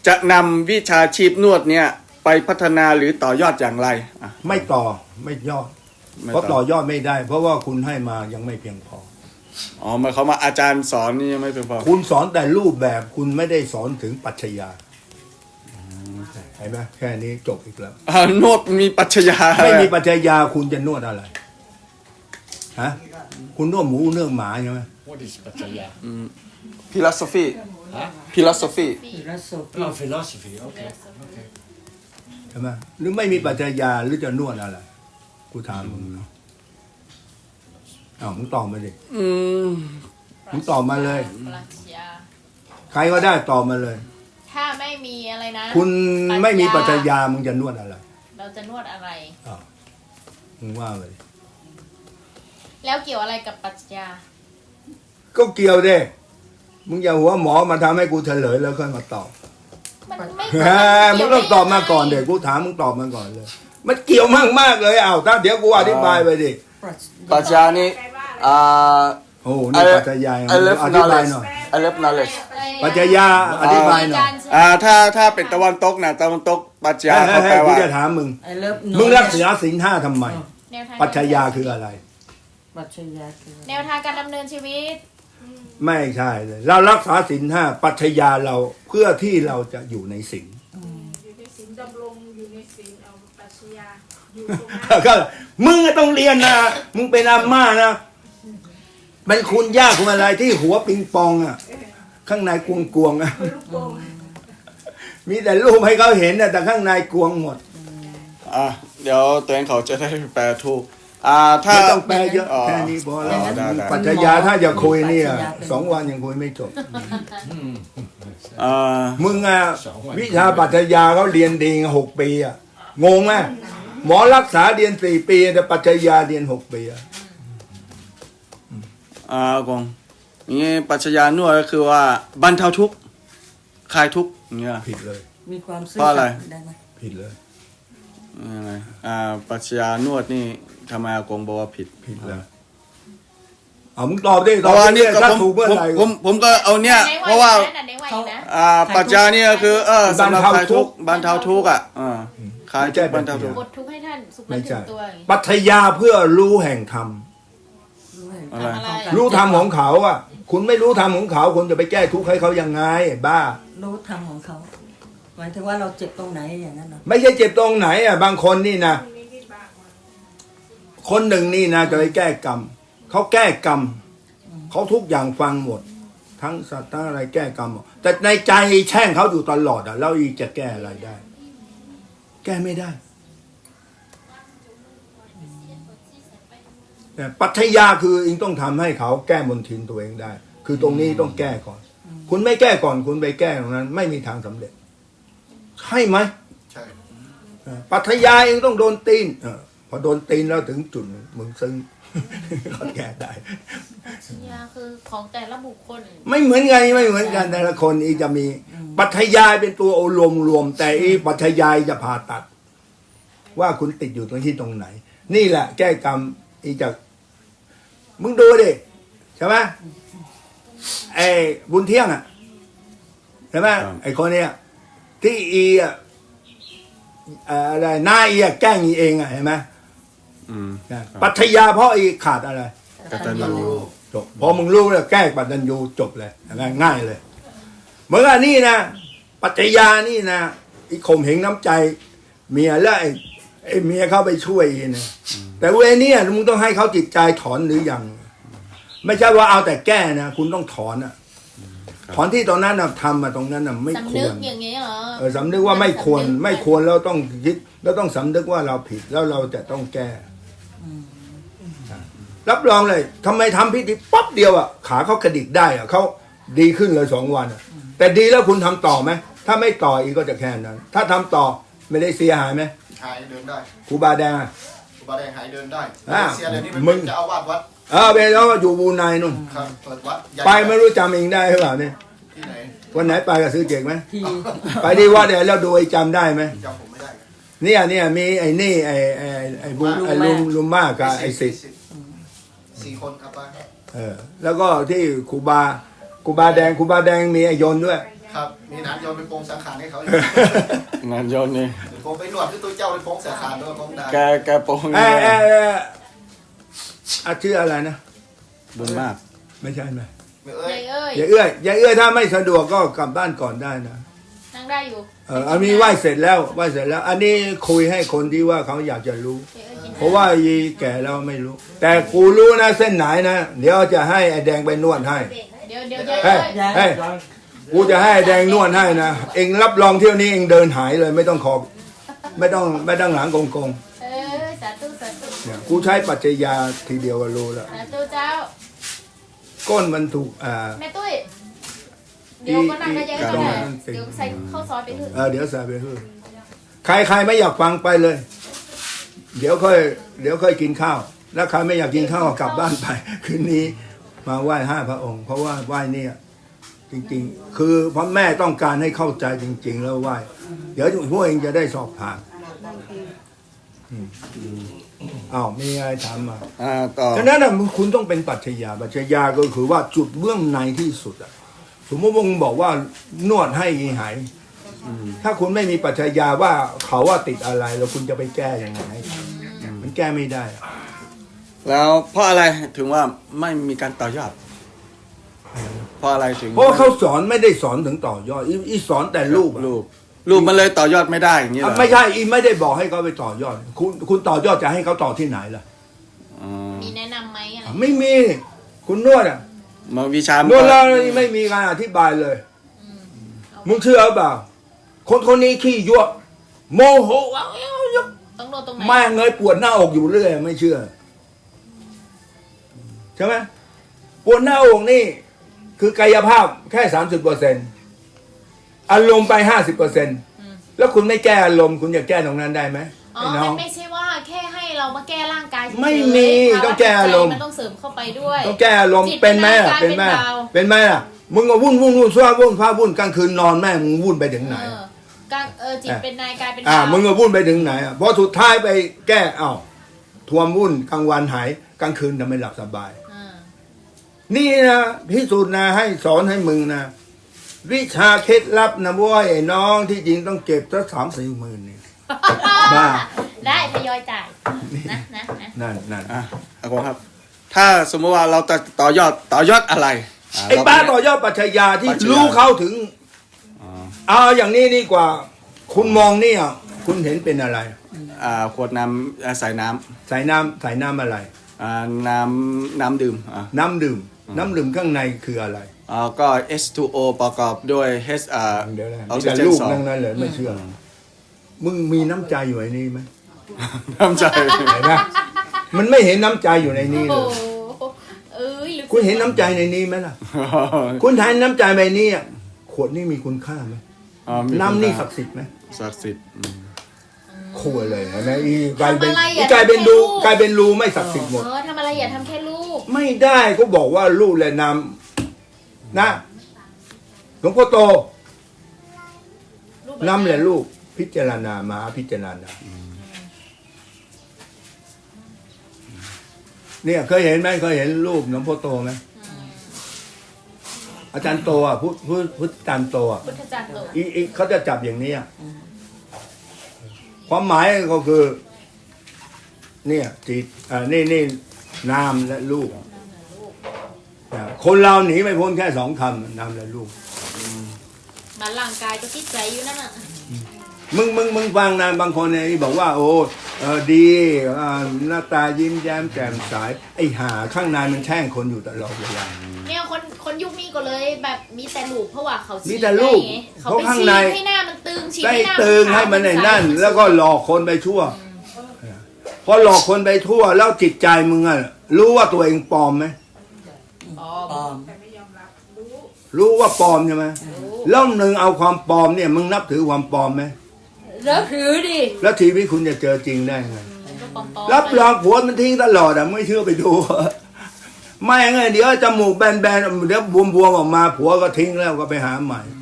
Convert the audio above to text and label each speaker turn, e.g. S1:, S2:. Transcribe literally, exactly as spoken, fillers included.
S1: จะนำวิชาชีพนวดเนี่ยไปพัฒนาหรือต่อยอดอย่างไรอ่ะ
S2: ไม่ต่อไม่ยอด
S1: ไม่
S2: เพราะ
S1: ต่
S2: ต่
S1: อ
S2: อยอดไม่ได้ เพราะว่าคุณให้มายังไม่เพียงพอ
S1: อ๋อหมายความว่าอาจารย์สอนนี่ยังไม่เพียงพอ
S2: คุณสอนแต่รูปแบบคุณไม่ได้สอนถึงปรัชญาเห็นไหมแค่นี้จบอีกแล้ว
S1: อ่านวดมีปรัชญา
S2: ไม่มีปรัชญาคุณจะนวดอะไรฮะคุณนวดหมูเนื้อหมาใช่ไหม
S3: What is Pattaya?
S1: ฟิโลโซฟี
S3: Huh?
S1: ฟิโลโซฟี
S3: Oh, philosophy. Okay. Okay.
S2: ใช่ไหมหรือไม่มีปรัชญาหรือจะนวดอะไรกูถามมึงอ้าวมึงตอบมาดิ
S1: อืม
S2: มึงตอบมาเลย
S4: ปรัชญา
S2: ใครก็ได้ตอบมาเลย
S4: ถ้าไม่มีอะไรนะ
S2: คุณไม่มีปรัชญามึงจะนวดอะไร
S4: เราจะนวดอะไร
S2: อ้าวมึงว่าเลย
S4: แล้วเกี่ยวอะไรกับปรัชญา
S2: ก็เกี่ยวเด้มึงอย่าหัวหมอมาทำให้กูเฉลยแล้วค่อยมาตอบ
S4: มันไม่
S2: แหมมึงต้องตอบมาก่อนเด็กกูถามมึงตอบมาก่อนเลย มันเกี่ยวมากมากๆเลยอ้าวถ้าเดี๋ยวกูอธิบายไปดิ
S1: ปรัชญานี่อ่า
S2: โอ้โหนี่ปรัชญา
S1: I love
S2: อธิบาย
S1: knowledge
S2: หน่อย
S1: I love knowledge
S2: ปรัชญาอธิบายหน่อย
S1: อ่าถ้าถ้าเป็นตะวันตกนะตะวันตกปรัชญา
S2: ให้
S1: เขา
S2: ให้
S1: แปล
S2: กู
S1: ว่า
S2: จะถามมึง
S5: I love
S2: มึงรักษาศีลห้าทำไม
S4: แนวทาง
S2: ปรัชญาคืออะไร
S5: ปรัชญาคือ
S4: แนวทางการดำเนินชีวิต
S2: ไม่ใช่เลย เรารักษาศีลห้าปรัชญาเราเพื่อที่เราจะอยู่ในศีล
S6: อยู่ในศีลดำรงอยู่ในศีลเอาปรัชญาอยู่ตรงนั้น
S2: ก็มึงก็ต้องเรียนนะ มึงเป็นอาม่านะเป็นคุณย่าคุณอะไรที่หัวปิงปองอ่ะ ข้างในกวงกวงๆอ่ะ
S6: ลูกโป่ง
S2: มีแต่รูปให้เขาเห็นนะแต่ข้างในกวงหมด
S1: อ่ะเดี๋ยวตัวเองเขาจะได้แปลถูกอ่าถ้า
S2: ไม่ต้องแปลเยอะ
S1: อ๋อ
S2: แค่นี้พอแล้ว
S1: อ๋อได้ได้
S2: ปรัชญาถ้าจะคุยเนี่ยสองวันยังคุยไม่จบ
S1: อ่า
S2: มึงอ่ะวิชาปรัชญาเขาเรียนดีหกปีอ่ะงงไหมหมอรักษาเรียนสี่ปีแต่ปรัชญาเรียนหกปีอ่ะ
S1: อ่ากงนี่ปรัชญานวดก็คือว่าบรรเทาทุกข์คลายทุกข์อย่างเงี้ย
S2: ผิดเลย
S5: มีความซื่อ
S1: เพราะอะไร
S5: สัตย์ได้ไหม
S2: ผิดเลย
S1: ยังไงอ่าปรัชญานวดนี่ทำไมอากงบอกว่าผิด
S2: ผิดเลยเอามึงตอบดิ
S1: เพ
S2: ตอบ
S1: ราะว่า
S2: ดิ
S1: นี่ก็
S2: ถ้า
S1: ผม
S2: ถูกเมื่อ
S1: ผม
S2: ไหร่
S1: ผมผมก็เอาเนี่ย
S4: ไหน
S1: เพราะว่า
S4: ไหนไหนไหวนะ
S1: อ่าปรัชญานี่ก็คือเออสำหรับคลายทุกข์บรรเทาทุกข์อ่ะอ่าคลายทุกข์บรรเทาทุกข์
S4: บททุกข์ให้ท่านสุข
S2: ไม่
S4: นึกถึ
S2: ใช่
S4: งตัวอย่างนี้
S2: ปรัชญาเพื่อรู้แห่งธรรม
S5: รู้แห่ง
S1: อะไร
S5: ธรรมของการ
S2: รู้ธรรมของเขาอ่ะ คุณไม่รู้ธรรมของเขาคุณจะไปแก้ทุกข์ให้เขายังไงบ้า
S5: รู้ธรรมของเขาหมายถึงว่าเราเจ็บตรงไหนอย่างนั้นเหรอ
S2: ไม่ใช่เจ็บตรงไหนอ่ะบางคนนี่นะ
S6: มีวิบากมา
S2: คนหนึ่งนี่นะจะไปแก้กรรมเขาแก้กรรมเขาทุกอย่างฟังหมด ทั้งสัตว์ทั้งอะไรแก้กรรมหมดแต่ในใจแช่งเขาอยู่ตลอดอ่ะแล้วอีกจะแก้อะไรได้ แก้ไม่ได้แต่ปรัชญาคืออิงต้องทำให้เขาแก้มนทินตัวเองได้ คือตรงนี้ต้องแก้ก่อน คุณไม่แก้ก่อนคุณไปแก้ตรงนั้น ไม่มีทางสำเร็จใช่ไหม
S3: ใช่
S2: เออปรัชญาเองต้องโดนตีนเออพอโดนตีนแล้วถึงจุดหนึ่งมึงซึ้ง เขาแก้ได้
S4: ปรัชญาคือของแต่ละบุคคล
S2: ไม่เหมือนกันไม่เหมือนกันแต่ละคนอีกจะมีปรัชญาเป็นตัวอารมณ์รวม แต่อีปรัชญาจะผ่าตัด ว่าคุณติดอยู่ตรงที่ตรงไหน นี่แหละ แก้กรรมอีจะมึงดูดิใช่ไหมไอ้บุญเที่ยงอ่ะใช่ไหมไอ้คนเนี้ยที่อีอ่ะเอ่ออะไรหน้าอีอะแกล้งอีเองอ่ะเห็นไหม
S1: อืม
S2: นะปรัชญาเพราะอีขาดอะไร
S1: กตัญญู
S2: จบพอมึงรู้แล้วแก้ปัจจัญญูจบเลยง่ายเลยเหมือนกับนี่นะปัจจญานี่นะอีข่มเหงน้ำใจ เมียแล้วไอ้ไอ้เมียเข้าไปช่วยอีนะแต่เวรเนี่ยมึงต้องให้เขาจิตใจถอนหรือยังไม่ใช่ว่าเอาแต่แก้นะคุณต้องถอนอะถอนที่ตรงนั้นนะทำมาตรงนั้นนะไม่ค
S4: สำนึ
S2: ว
S4: ก
S2: ร
S4: อย่างนี้เหรอ
S2: เออสำนึกว่าไม่ควรไม่ควรแล้วต้องยึดแล้วต้องสำนึกว่าเราผิดแล้วเราจะต้องแก้รับรองเลยทำไมทำพิธีป๊อบเดียวอ่ะขาเขากระดิกได้อ่ะเขาดีขึ้นเลยสองวันอ่ะแต่ดีแล้วคุณทำต่อไหมถ้าไม่ต่ออีกก็จะแค่นั้น ถ้าทำต่อไม่ได้เสียหายไหม
S3: หายเดินได้
S2: ครูบาแดงอะ
S3: ครูบาแดงหายเดินได้
S2: อ่า
S3: เสียเดี๋ยวนี้มัน
S2: มึง
S3: เป็นเจ้าอาวาสวัด
S2: เออไปแล้วก็อยู่บูไนนู่น
S3: ครับเปิดวัดใหญ่
S2: ไปไม่รู้จำเองได้หรือเปล่าเนี่ย
S3: ที่ไหน
S2: วันไหนไปกับซื้อเก่งไหม
S5: ที่
S2: ไปที่วัดเนี่ยแล้วดูไอ้จำได้ไหม
S3: จำผมไม่ได้
S2: เนี่ยเนี่ยมีไอ้นี่ไอ้ไอ้ไอ้บุไอ้ลุงลุงมากกับไอ้สิทธิ์
S3: สี่คนครับป้า
S2: เออแล้วก็ที่ครูบาครูบาแดงครูบาแดงมีไอ้ยนต์ด้วย
S6: ป
S3: ครับมีหนานโยนไปโปรงสังขารให้เขาอยู่
S1: งานโยนนี่
S3: ผมไปหนวดที่ตัวเจ้าไปโปรงสังขารด้วยผมได้
S1: แกแกโปรง
S2: เอ
S1: นี่
S2: อเออเอออาชื่ออะไรนะ
S1: บุญมาก
S2: ไม่ใช่ไหม
S3: ไม่เอ้
S4: ยาย ยเอ้ย
S2: อย่าเอื้อยอย่าเอื้อยถ้าไม่สะดวกก็กลับบ้านก่อนได้นะ
S4: นั่งได้อยู่
S2: เอออันนี้ไหว้เสร็จแล้วไหว้เสร็จแล้ว อันนี้คุยให้คนที่ว่าเขาอยากจะรู้
S4: ยายเอ้ยกิน
S2: เพราะว่ายีแก่แล้วไม่รู้ แต่กูรู้นะเส้นไหนนะเดี๋ยวจะให้ไอ้แดงไปนวดให้
S4: เดี๋ยวเดี๋ยวยาย
S2: เฮ้ย
S4: เอ้ย
S2: เฮ้ยกูจะให้ไอ้แดงนวดให้นะเองรับรองเที่ยวนี้เองเดินหายเลย ไม่ต้องขอบ ไม่ต้องไม่ต้องหลังกงกง
S4: เออสาธุสาธุ
S2: ๆเนี่ยกูใช้ปัจจัยยาทีเดียวก็รู้แล้ว
S4: สาธุเจ้า
S2: ก้นมันถูกอ่า
S4: แม่ตุ้ยเดี๋ยวก็นั่งกันยายก็ได้
S2: อี
S4: เดี๋ยวใส่ข้าวซอยไปเถอะ
S2: เออเดี๋ยวใส่ไปเถอะใครใครไม่อยากฟังไปเลย เดี๋ยวค่อยเดี๋ยวค่อยกินข้าว แล้วใครไม่อยากกินข้าวก็กลับบ้านไป คืนนี้มาไหว้ห้าพระองค์ เพราะว่าไหว้เนี่ยจริงๆ คือพระแม่ต้องการให้เข้าใจจริง ๆ แล้วไหว้เดี๋ยวพวกเองจะได้สอบผ่านอืมอ้าวมีอะไรถามมา
S1: อ่าต่อ
S2: ฉะนั้นนะคุณต้องเป็นปัจจัยยาปัจจัยยาก็คือว่าจุดเบื้องในที่สุดอะสมมติว่ามึงบอกว่านวดให้หายถ้าคุณไม่มีปัจจัยยาว่าเขาว่าติดอะไร แล้วคุณจะไปแก้ยังไงมันแก้ไม่ได้อะ
S1: แล้วเพราะอะไรถึงว่าไม่มีการต่อยอดเพราะอะไรถึง
S2: เพราะว่าเขาสอนไม่ได้สอนถึงต่อยอดอีอีสอนแต่รูปอะ
S1: รูปรูปมันเลยต่อยอดไม่ได้อย่างนี้เหร
S2: อ่ะ
S1: อ
S2: ไม่ใช่อีไม่ได้บอกให้เขาไปต่อยอด คุณคุณต่อยอดจะให้เขาต่อที่ไหนล่ะ
S1: อ๋อ
S4: มีแนะนำไหมอะไร
S2: อ่ะไม่มีคุณนวดอ่ะ
S1: มาวิชาน
S2: นวดแล้วนี่ไม่มีการอธิบายเลย มึงเชื่อเปล่า คนคนนี้ขี้ยั่วโมโหว้าว
S4: ต้องโดนตรงไหน
S2: แม่งเงยปวดหน้าอกอยู่เรื่อยไม่เชื่อใช่ไหมปวดหน้าอกนี่ คือกายภาพแค่สามสิบเปอร์เซ็นต์อารมณ์ไปห้าสิบเปอร์เซ็นต์แล้วคุณไม่แก้อารมณ์คุณจะแก้ตรงนั้นได้ไหม
S4: อ๋อ
S2: ไอ้น้อ
S4: มั
S2: ง
S4: นไม่ใช่ว่าแค่ให้เรามาแก้ร่างกายเฉยๆ
S2: ไม่มี
S4: ภาวะ
S2: ต้องแก้อารมณ์
S4: จิตใจมันต้องเสริมเข้าไปด้วย
S2: ต้องแก้อารมณ์
S4: จิต
S2: เป็นไหมล่ะ
S4: เป็น
S2: เป็นไหม
S4: กายเป็นเบา
S2: เป็นไหมล่ะมึงก็วุ่นวุ่นวุ่นซ่าวุ่นฟ้าวุ่นกลางคืนนอนแม่มึงวุ่นไปถึงไหน
S4: เออการเออจิตเป็นนายกายเป็น
S2: อ่า
S4: บ่าว
S2: มึงก็วุ่นไปถึงไหนอ่ะพอสุดท้ายไปแก้เอ้าทวมวุ่นกลางวันหายกลางคืนทำไมหลับสบาย
S4: อ่า
S2: นี่นะพิสูจน์นะให้สอนให้มึงนะวิชาเคล็ดลับนะเว้ยไอ้น้องที่จริงต้องเก็บสักสามสี่หมื่นนี่ บ้า
S4: ได้ทยอยจ่ายนะนะนะ
S2: นั่นนั่น
S1: อ่ะอากงครับ ถ้าสมมติว่าเราจะต่อยอดต่อยอดอะไระ
S2: ไอ้
S1: เร
S2: บ้าต่อยอดปัจจัยยาที่
S1: ปัจจัยยา
S2: รู้เข้าถึง
S1: อ๋อ
S2: เอาอย่างนี้ดีกว่า คุณมองเนี่ยคุณเห็นเป็นอะไร
S1: อ่าขวดน้ำอ่าใส่น้ำ
S2: ใส่น้ำใส่น้ำอะไร
S1: อ่าน้ำน้ำดื่มอ่า
S2: น้ำดื่ม น้ำดื่มข้างในคืออะไร
S1: อ่าก็ เอช ทู โอ ประกอบด้วย H อ่า
S2: เดี๋ยวนะ
S1: ออก
S2: มี
S1: ซิ
S2: แต่
S1: เจน
S2: ลูก
S1: สอง
S2: นั่งนั้นเลยไม่เชื่อ มึงมีน้ำใจอยู่ในนี้ไหม
S1: น้ำใจ
S2: เห็นไหมมันไม่เห็นน้ำใจอยู่ในนี้
S4: โอ้
S2: เลย
S4: โหเอ้ยลึก
S2: คุณเห็นน้ำใจในนี้ไหมล่ะ คุณเห็นน้ำใจในนี้อะขวดนี่มีคุณค่าไหม
S1: อ่ามี
S2: น้ำนี่
S1: คุณค่า
S2: ศักดิ์สิทธิ์ไหม
S1: ศักดิ์สิทธิ์อืม
S2: ขวดเลยเห็นไหมอีกลายเป็น
S4: ทำอะไร
S2: อี
S4: อ่ะ
S2: กลายเป็น
S4: ทำแค่
S2: รู
S4: ลูก
S2: กลายเป็นรูไม่ศักดิ์สิทธิ์หมด
S4: เออทำอะไรอย่าทำแค่ลูก
S2: ไม่ได้ก็บอกว่าลูกและน้ำนะหลวงพ่อโต
S4: ลูก
S2: น้ำและลูกพิจารณามาพิจารณาเนี่ยเคยเห็นไหมเคยเห็นรูปหลวงพ่อโตไหมอาจารย์โตอ่ะพุทธพุทธพุทธอาจารย์โตอ่ะ
S4: พุทธจักรโต
S2: อีอีเขาจะจับอย่างนี้อ่ะความหมายก็คือ เนี่ยจิตอ่านี่นี่นามและลูกนะคนเราหนีไม่พ้นแค่สองคำนามและลูก
S4: มาร่างกายก็จิตใจอยู่นั่นน่ะ
S2: มึงมึงมึงฟังนะบางคนเนี่ยบอกว่า โอ้เออดีอ่าหน้าตายิ้มแย้มแจ่มใสไอ้หาข้างในมันแช่งคนอยู่ตลอดเวลา
S4: เนี่ยคนคนยุคนี้ก็เลยแบบมีแต่ลูกเพราะว่าเขา
S2: มี
S4: ฉีด
S2: แต่ลูก
S4: ได้ไงเขา
S2: เพราะ
S4: ไป
S2: ข้าง
S4: ฉี
S2: ใน
S4: ดให้หน้ามันตึงฉีด
S2: ได้
S4: ให้หน้า
S2: ตึงให้มันในนั่น แล้วก็หลอกคนไปทั่วพอหลอกคนไปทั่ว แล้วจิตใจมึงอ่ะรู้ว่าตัวเองปลอมไหม
S4: อ๋อ
S5: ปลอม
S6: แต่ไม่ยอมรับรู้
S2: รู้ว่าปลอมใช่ไหมแล้วหนึ่งเอาความปลอมเนี่ย มึงนับถือความปลอมไหม
S4: แล้วถือดิ
S2: แล้วชีวิตคุณจะเจอจริงได้ไง
S4: ก็ปลอมๆ
S2: รับรองผัวมันทิ้งตลอดอ่ะไม่เชื่อไปดู ไม่ไงเดี๋ยวจมูกแบนๆเดี๋ยวบวมๆออกมาผัวก็ทิ้งแล้วก็ไปหาใหม่